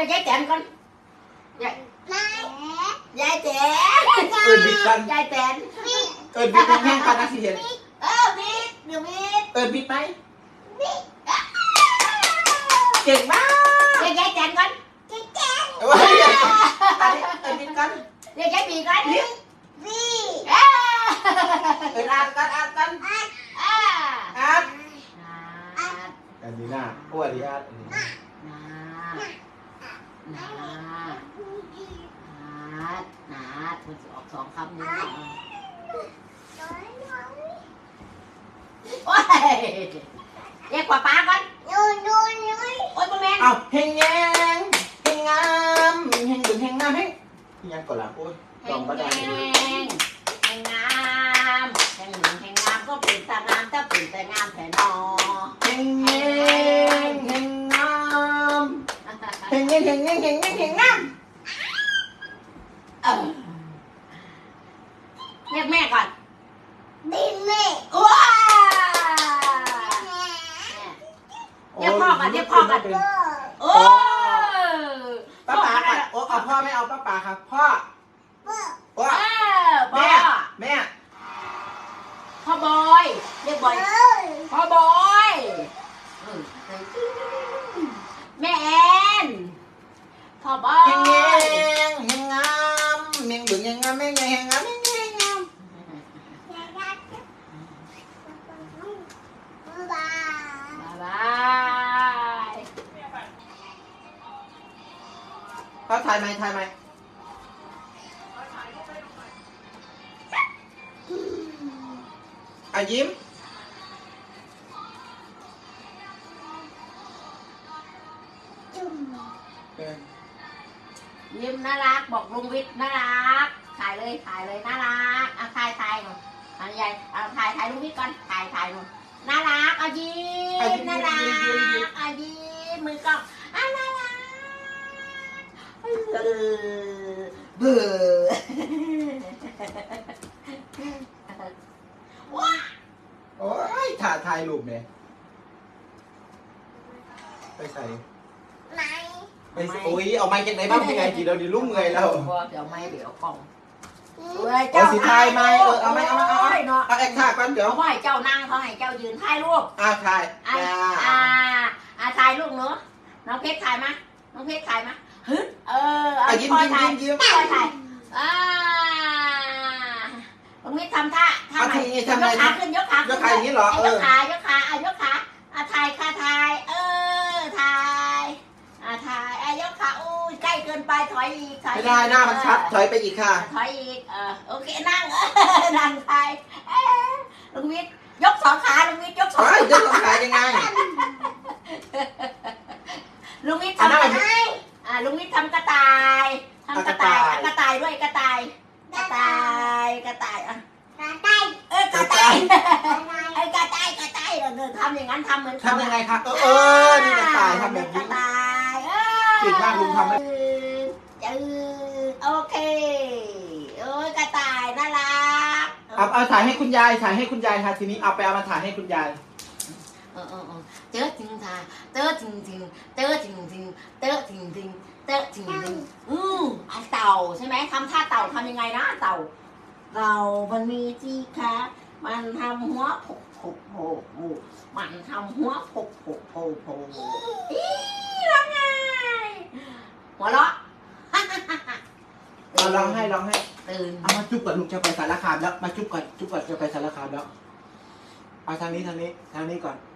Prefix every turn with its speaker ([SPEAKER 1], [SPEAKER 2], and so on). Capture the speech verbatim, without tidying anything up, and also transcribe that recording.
[SPEAKER 1] ยายแตนก่อนยายยายแตน
[SPEAKER 2] เอิญบิดกัน
[SPEAKER 1] ยายแตน
[SPEAKER 2] เอิญบิดแห้งๆกันนะสิเห็น
[SPEAKER 1] เออบิดเดี๋ยวบิด
[SPEAKER 2] เอิญบิดไหมเก่งมาก
[SPEAKER 1] เรียกยายแตนก่อน
[SPEAKER 2] เอ้ยอันนี้เอิญบิดกัน
[SPEAKER 1] เรียกยายบีก่อนบี
[SPEAKER 2] เอิญอ่านกันอ่านกัน
[SPEAKER 1] อ่า
[SPEAKER 2] อ่าน
[SPEAKER 1] นาด
[SPEAKER 2] อันนี้น่าอ้วนดีอ่านอันนี้
[SPEAKER 1] นานานาดนาดมันจะออกสองคำนี้โอ้ยเรียกกว่าป้าก่อนโอ้ยพ่อแม่
[SPEAKER 2] เอาเฮงแยงเฮงงามเฮงดึงเฮงงามเฮงยังก่อนละโอ้ย
[SPEAKER 1] แห
[SPEAKER 2] ลอง
[SPEAKER 1] ง
[SPEAKER 2] มาได้
[SPEAKER 1] แหงแหงงามแหงหนึ่งแหงงามก็เป็นตางามถ้าเป็นแต่งามแต่นอ
[SPEAKER 2] เฮงแยงเฮงงามเฮงแยงเฮงแยงเฮงแยงเฮงงาม
[SPEAKER 1] เออเรียกแม่ก่อนว้าเรียกพ่อก่อนเรียกพ่อก่อนโอ้
[SPEAKER 2] ป้าป๋าก่อนโอ้เอาพ่อไม่เอาป้าป๋าครับพ่อพ่อ
[SPEAKER 1] เออพ่
[SPEAKER 2] แม่
[SPEAKER 1] อ
[SPEAKER 2] แม่
[SPEAKER 1] พ่อบอยเรียกบอยพ่อบอยแม่แอนพ่อบอ
[SPEAKER 2] เฮงแย
[SPEAKER 1] ย
[SPEAKER 2] งเฮงงามเฮงดึงเฮงงามเฮงแยงเฮงงามเฮงแยงเฮงงาม
[SPEAKER 1] บาย
[SPEAKER 2] พ่อถ่ายไหมถ่ายไหมอ่ะยิ้มเออ
[SPEAKER 1] ยิ้มน่ารักบอกลุงวิทย์น่ารักถ่ายเลยถ่ายเลยน่ารักเอาถ่ายถ่ายหน่อยอันใหญ่เอาถ่ายถ่ายลุงวิทย์ก่อนถ่ายถ่ายหน่อยน่ารักเอายิ้มน่ารักเอายิ้มมือกล้องอ่ะน่ารักเออเบื่อว้า
[SPEAKER 2] โอ้ยถ่ายถ่ายรูปเนี่ยไปใส่ไปใส่โอ้ยเอาไม้จากไหนบ้างยังไงกี่เดี๋ยวดิลูกเมื่อยแล้ว
[SPEAKER 1] เดี๋ยวไม่เดี๋ยวกล้อง
[SPEAKER 2] เอาสีไทยไหมเออเอาไหมเอาไหมเอาไหม
[SPEAKER 1] เนาะ
[SPEAKER 2] เอาแอคท่ากันเดี๋ยว
[SPEAKER 1] เขาให้เจ้านั่งเขาให้เจ้ายืนถ่ายรูป
[SPEAKER 2] อ่าถ่าย
[SPEAKER 1] อ่า
[SPEAKER 2] จ้า
[SPEAKER 1] อ่าอ่าถ่ายรูปเนาะน้องเพชรถ่ายมาน้องเพชรถ่ายมาฮึเออเอา
[SPEAKER 2] อ่ะยิ้ม
[SPEAKER 1] พ่อ
[SPEAKER 2] ยิ้ม
[SPEAKER 1] ถ่าย
[SPEAKER 2] ยิ้มยิ้ม
[SPEAKER 1] พ่อถ่ายอ่าน้องเพชรทำท่าท่า
[SPEAKER 2] เอา
[SPEAKER 1] ไหน
[SPEAKER 2] ทีนี้
[SPEAKER 1] ย
[SPEAKER 2] ทำ
[SPEAKER 1] ก
[SPEAKER 2] ไง
[SPEAKER 1] ขาขึ้นยกขาย
[SPEAKER 2] กขาอย่างนี้เหรอเออ
[SPEAKER 1] ยกขายกขาอ่ะยกขาอ่ะถ่ายค่ะถ่ายเออถ่ายอ่ะถ่ายอ่ะยกขาอู้ยใกล้เกินไปถอยอีกถอย
[SPEAKER 2] ไม่
[SPEAKER 1] อีก
[SPEAKER 2] ได้หน้ามันชัดถอยไปอีกค่ะ
[SPEAKER 1] ถอยอีกเออโอเคนั่ง นั่งไทยเอ้ยลุงวิทย์ยกสองขาลุงวิทย์ยกสอง
[SPEAKER 2] เฮ้ย
[SPEAKER 1] ขา
[SPEAKER 2] จะต้องขายยังไง
[SPEAKER 1] ลุงวิทย์
[SPEAKER 2] อัน
[SPEAKER 1] ทำ
[SPEAKER 2] นั้
[SPEAKER 1] ก
[SPEAKER 2] น
[SPEAKER 1] ระต่ายอ่าลุงวิทย์ทำกระต่ายทำกระต่ายอ่ะกระต่ายด้วยกระต่ายกระต่ายกระต่ายอ่ะเออกระต่ายไอ้กระต่ายกระต่ายเราเดินทำอย่างนั้นทำเหมือนเขา
[SPEAKER 2] ทำยังไงคะเออเออนี่กระต่ายทำแบบ
[SPEAKER 1] ก
[SPEAKER 2] นี้
[SPEAKER 1] ระต่ายเออ
[SPEAKER 2] เก่งมากลุงทำไหม
[SPEAKER 1] จืดโอเคโอ้ยกระต่ายน่ารัก
[SPEAKER 2] เอาเอาถ่ายให้คุณยายถ่ายให้คุณยายค่ะทีนี้เอาไปเอามาถ่ายให้คุณยาย
[SPEAKER 1] เออเออเออเจอจริงจ้าเจอจริงจริงเจอจริงจริงเจอจริงจริงเจอจริงจริงอืมอันเต่าใช่ไหมทำท่าเต่าทำยังไงนะเต่าเต่ามันมีจีคะมันทำหัวโผกโผกโผกโผกมันทำหัวโผกโผกโผกโผกอีร้องไงหัวเราะ
[SPEAKER 2] เอาลองให้ลองให้
[SPEAKER 1] ตื่น
[SPEAKER 2] เอามาจุ๊บก่อนลูกจะไปสารคามแล้วมาจุ๊บก่อนจุ๊บก่อนจะไปสารคามแล้วเอาทางนี้ทางนี้ทางนี้ก่อน